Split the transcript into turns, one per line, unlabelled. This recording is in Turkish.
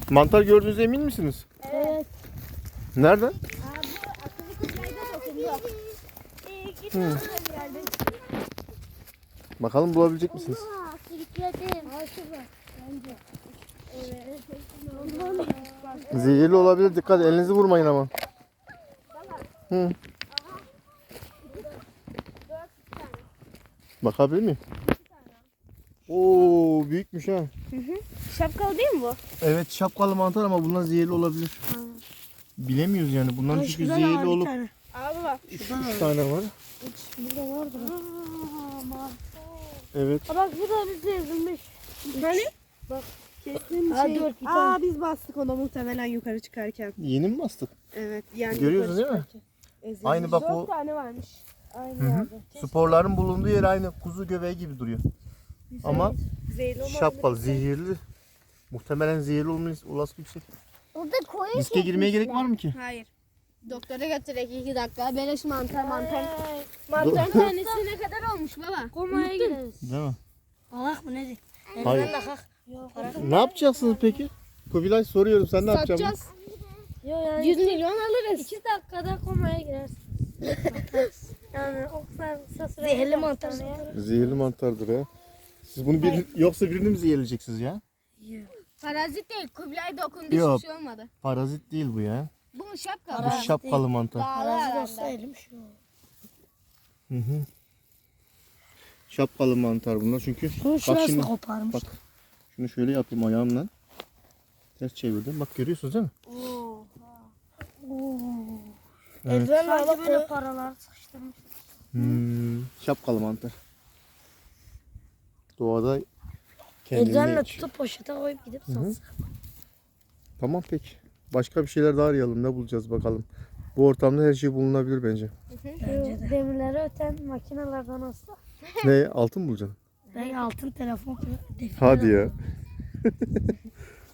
Mantar gördüğünüze emin misiniz?
Evet.
Nereden?
Bu akıllı kızlarda dokundu.
Bakalım bulabilecek misiniz?
Sürükledim. Şurada. Bence. Evet.
Zehirli olabilir. Dikkat, elinizi vurmayın ama. Hı. Bakabilir miyim? Oo, büyükmüş ha.
Şapkalı değil mi bu?
Evet, şapkalı mantar ama bunlar zehirli olabilir. Bilemiyoruz yani. Bunların çünkü zehirli olup.
Abi bak.
3 tane var.
Burada vardır.
Evet.
Bak bu da bize yazılmış. Hani? Bak. Kesin şey. Biz bastık ona muhtemelen yukarı çıkarken.
Yeni mi bastık?
Evet. Yani
Görüyorsunuz değil mi? Aynı bak o.
4 tane varmış. Aynı
Hı hı.
yerde.
Sporların bulunduğu yer aynı kuzu göbeği gibi duruyor. Ama
Zehirli olmayan
şapkalı, zehirli. Muhtemelen zehirli olması yüksek.
Burada koyu
Riske girmeye gerek var mı ki?
Hayır.
Doktora götürek 2 dakika. Beleş mantar.
Mantarın tanesi ne kadar olmuş baba?
Komaya gideriz.
Değil mi?
Allah mı nedir?
Hayır. Ne yapacaksınız peki? Kubilay, soruyorum, sen ne yapacaksın?
Satacağız.
100 milyon
alırız.
2 dakikada komaya girersin. Yani o kadar kısa süre. Zehirli mantar.
Zehirli mantardır ha. Siz bunu yoksa birini mi zehirleyeceksiniz ya?
Parazit değil. Kubilay dokundu,
Yok.
hiçbir şey olmadı.
Parazit değil bu ya.
Bu şapka.
Bu şapkalı mantar.
Parazit olsa elim şu.
Hı hı. Şapkalı mantar bunlar çünkü. Bak şimdi,
koparmış.
bak. Şunu şöyle yapayım ayağımla. Ters çevirdim. Bak, görüyorsunuz değil mi? Evet.
Sanki böyle paralar sıkıştırmış.
Şapkalı mantar. Doğada kendini
Ellerle
yetişiyor.
tutup poşete koyup gidip satsak.
Tamam peki. Başka bir şeyler daha arayalım. Ne bulacağız bakalım. Bu ortamda her şey bulunabilir bence.
Bence de. Demirleri öten makinelerden olsa.
Ne? Altın bulacaksın?
Ben altın telefon.
Hadi ya.